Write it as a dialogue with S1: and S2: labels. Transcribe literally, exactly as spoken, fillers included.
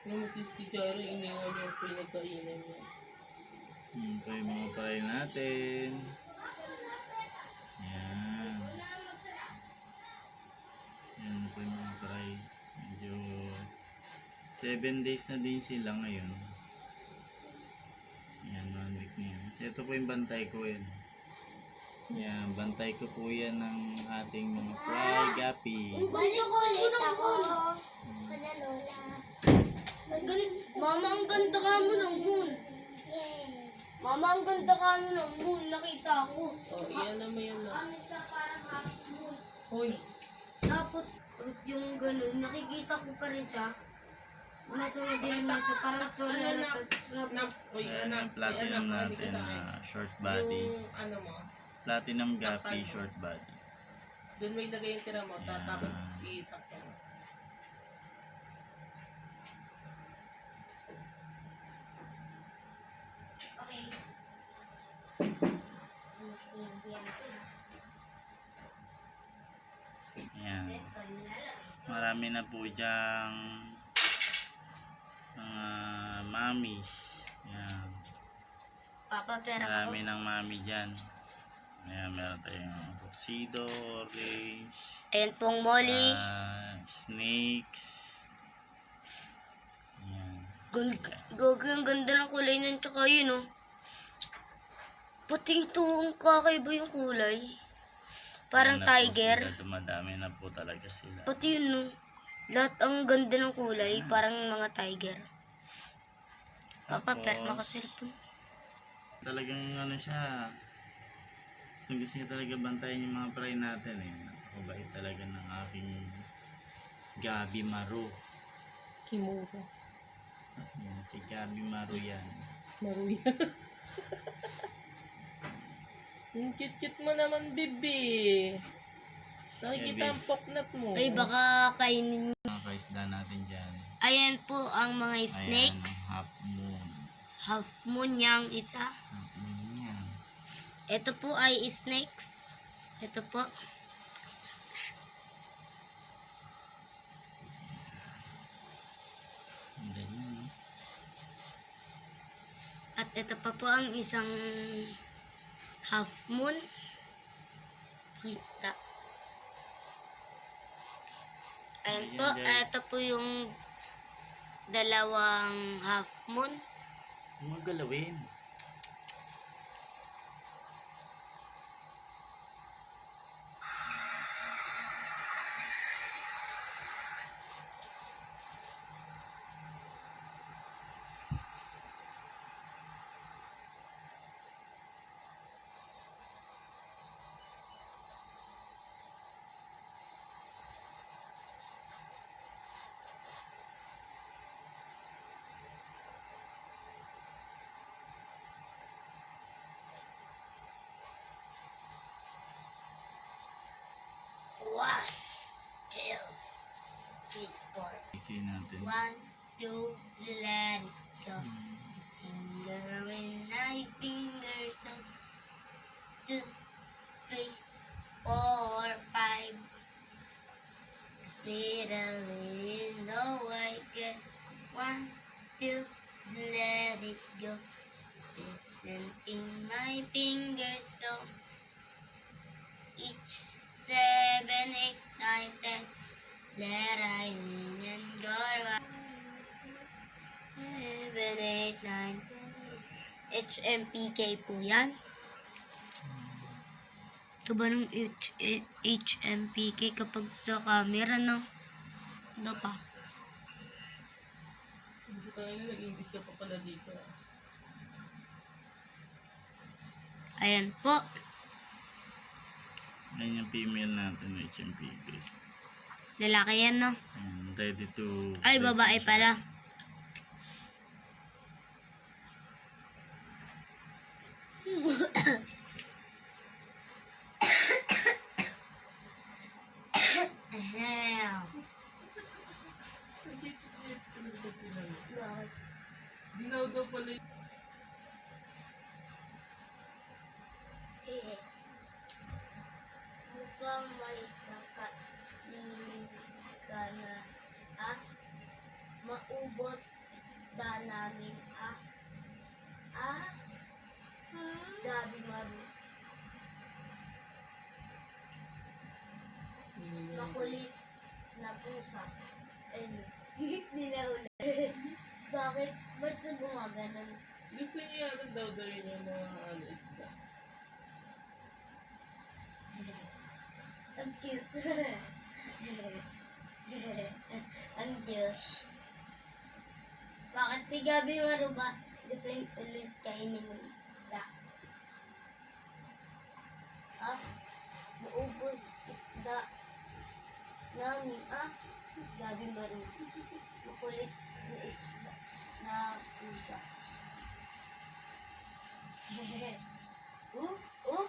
S1: Yung si si Jaro, iniwan yung pinagkainan niya.
S2: Yan po yung mga paray natin. Yan. Yan po yung mga paray. Medyo seven days na din sila ngayon. Yan, one week na yan. So ito po yung bantay ko yan. Yan, bantay ko po yan ng ating mga fry gapi.
S3: Gusto ko ulit ako. Kada lola. Mama, ang ganda ka mo ng moon. Mama, ang ganda ka mo ng moon. Nakita ko.
S1: Oh, iyan na mo yan na.
S3: Ano siya, parang half moon.
S1: Hoy,
S3: Tapos, yung ganun, nakikita ko pa rin siya. Nasa madilim na siya, parang solar
S1: ano
S3: na
S1: na, na, hoy,
S2: Ayan
S1: anak,
S2: yung platinum
S1: anak,
S2: natin
S1: sa
S2: na
S1: akin.
S2: short body.
S1: Yung ano mo,
S2: Platinum gapi short body.
S1: doon mo ilagay yung tira mo, ta-
S2: Yan.
S1: tapos itakpan mo.
S3: Okay.
S2: Yan. Marami na po diyang mga mamis. Yan.
S3: Papa, pera ko.
S2: Marami ng mami dyan. Ayan, meron tayong tuxedo, orange,
S3: Ayan pong Molly.
S2: ah, snakes. Ayan.
S3: Gogo, ang ganda ng kulay nun, tsaka yun, oh. Pati ito, ang kakaiba yung kulay. Parang
S2: Ayan na po
S3: tiger.
S2: sila. Dumadami na po talaga sila.
S3: Pati yun, no. Lahat ang ganda ng kulay, parang mga tiger. Papa,
S2: Tapos,
S3: perma ka cellphone.
S2: Talagang ano siya, gusto gusto niya talaga bantayan yung mga fry natin eh. Napakabait talaga ng aking Gabi Maru.
S1: Kimura.
S2: Yan, si Gabi Maru yan.
S1: Maruya. Yung cute-cute mo naman, bibi. Nakikita ang
S2: Bebes.
S1: poknat mo.
S3: Ay, baka kainin.
S2: Mga kaisda natin dyan.
S3: Ayan po ang mga
S2: Ayan,
S3: snakes.
S2: half moon.
S3: Half moon niyang isa.
S2: Half moon yan.
S3: Ito po ay snakes. Ito po.
S2: Ang ganyan, no?
S3: At ito pa po ang isang half moon. Pakista. Ayan po. Ito po yung dalawang half moon.
S2: Huwag galawin.
S3: One, two, three, four.
S2: Ikay natin.
S3: One, two, let it go. Finger in my fingers. So, two, three, four, five. Little, little I get. One, two, let it go. Listen in my fingers. So, each seven, eight, nine, ten. Let I in and go right. Seven, eight, nine, ten. H M P K po yan. Ito ba nung H H M P K kapag sa camera, no? Ano pa?
S1: Hindi tayo na nag-English ka pa pala dito.
S3: Ayan po.
S2: Ayan yung female natin, H M P K.
S3: Lalaki yan, no?
S2: Ayan, ready to...
S3: Ay, babae pala. Ahem.
S1: Dinaw daw pala yung...
S3: Mukhang may nakalilig ka na, ah, maubos isda namin, ah. Ah? Gabi Maru. Makulit na pusa. Ayun. Ninaula. Bakit? Ba't na gumaganon?
S1: Gusto niya yata daw daw yun yung mga ano isda.
S3: Ang cute. Ang cute. Bakit si Gabi Maru ba gusto yung ulit kainin ng isda? Ah? Maubos isda namin, ah? Gabi Maru. Makulit na isda na pusa. uh, uh,